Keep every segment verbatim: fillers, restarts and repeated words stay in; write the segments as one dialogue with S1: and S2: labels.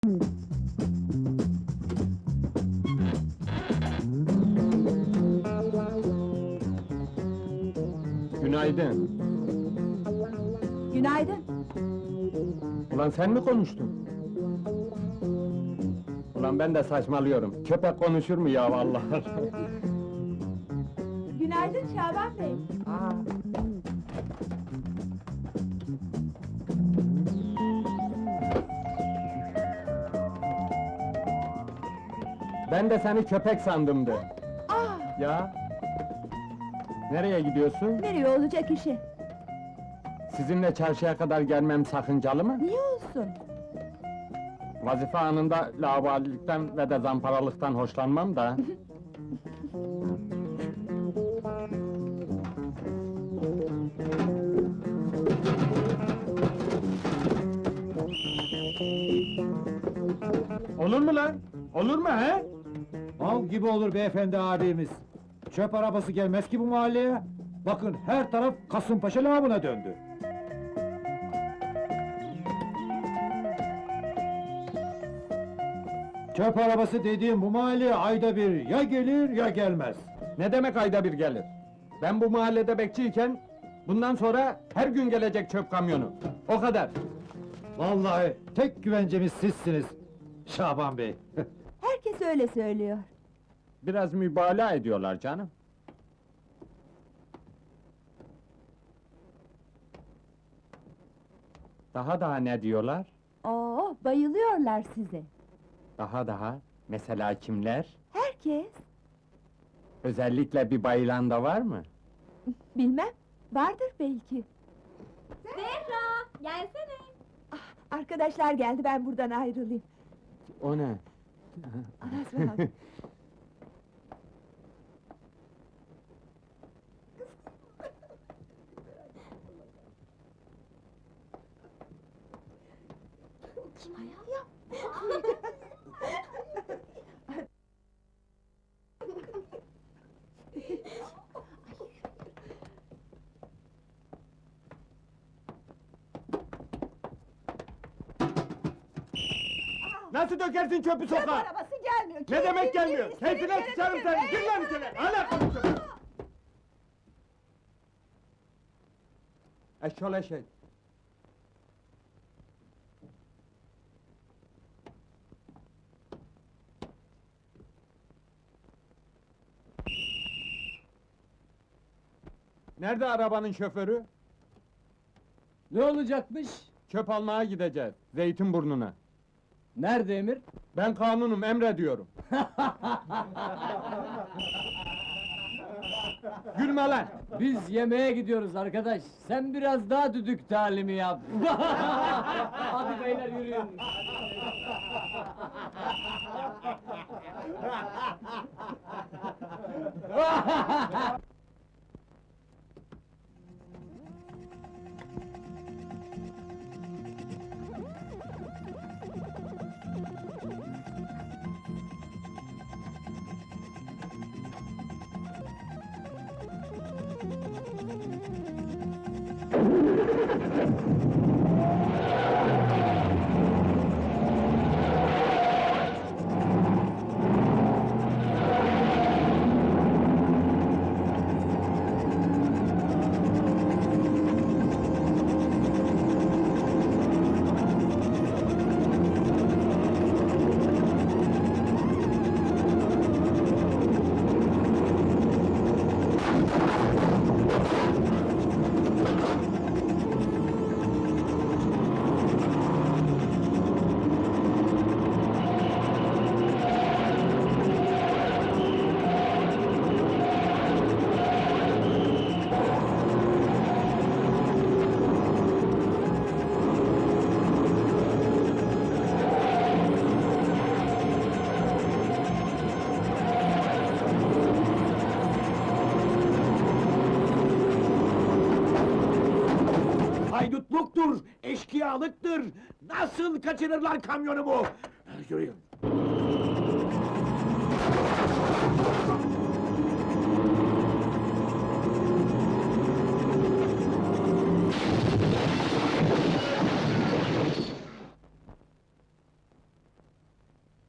S1: Günaydın.
S2: Günaydın.
S1: Ulan sen mi konuştun? Ulan ben de saçmalıyorum. Köpek konuşur mu ya vallahi?
S2: Günaydın Şaban Bey.
S1: Ben de seni köpek sandımdı.
S2: Aa,
S1: Ya? Nereye gidiyorsun?
S2: nereye olacak işi?
S1: Sizinle çarşıya kadar gelmem sakıncalı mı?
S2: Niye olsun?
S1: Vazife anında laubalilikten ve de zamparalıktan hoşlanmam da. Olur mu lan? Olur mu he?
S3: Av gibi olur beyefendi abimiz. Çöp arabası gelmez ki bu mahalleye. Bakın her taraf Kasımpaşa lağımına döndü. Çöp arabası dediğim bu mahalleye ayda bir ya gelir ya gelmez.
S1: Ne demek ayda bir gelir? Ben bu mahallede bekçiyken, bundan sonra her gün gelecek çöp kamyonu. O kadar.
S3: Vallahi tek güvencemiz sizsiniz Şaban Bey.
S2: Herkes öyle söylüyor.
S1: Biraz mübalağa ediyorlar canım. Daha daha ne diyorlar?
S2: Oo, bayılıyorlar size.
S1: Daha daha, mesela kimler?
S2: Herkes.
S1: Özellikle bir bayılan da var mı?
S2: Bilmem, vardır belki.
S4: Zehra, gelsene.
S2: Ah, arkadaşlar geldi, ben buradan ayrılayım.
S1: O ne?
S2: Anasını al.
S4: Kim ayol?
S1: Nasıl dökersin çöpü
S2: Çöp
S1: sokağa?
S2: arabası gelmiyor.
S1: Ne demek gelmiyor?
S2: İstediğin
S1: Keyfine
S2: yere
S1: sıçarım
S2: dökün,
S1: seni!
S2: be!
S1: Gir lan içeri! Hala konuşuyorsun! Eşşol eşek! Nerede arabanın şoförü?
S5: Ne olacakmış?
S1: Çöp almaya gideceğiz, Zeytinburnu'na.
S5: Nerede emir?
S1: Ben kanunum, emrediyorum. Gülme lan!
S5: Biz yemeğe gidiyoruz arkadaş. Sen biraz daha düdük talimi yap. Hadi beyler yürüyün.
S3: Haydutluktur, eşkıyalıktır. Nasıl kaçırırlar kamyonumu? Yürüyün.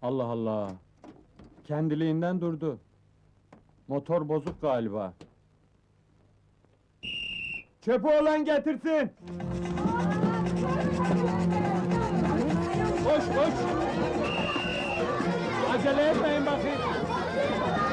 S1: Allah Allah. Kendiliğinden durdu. Motor bozuk galiba. Çöpü olan getirsin. Koş koş. Acele etmeyin bakayım.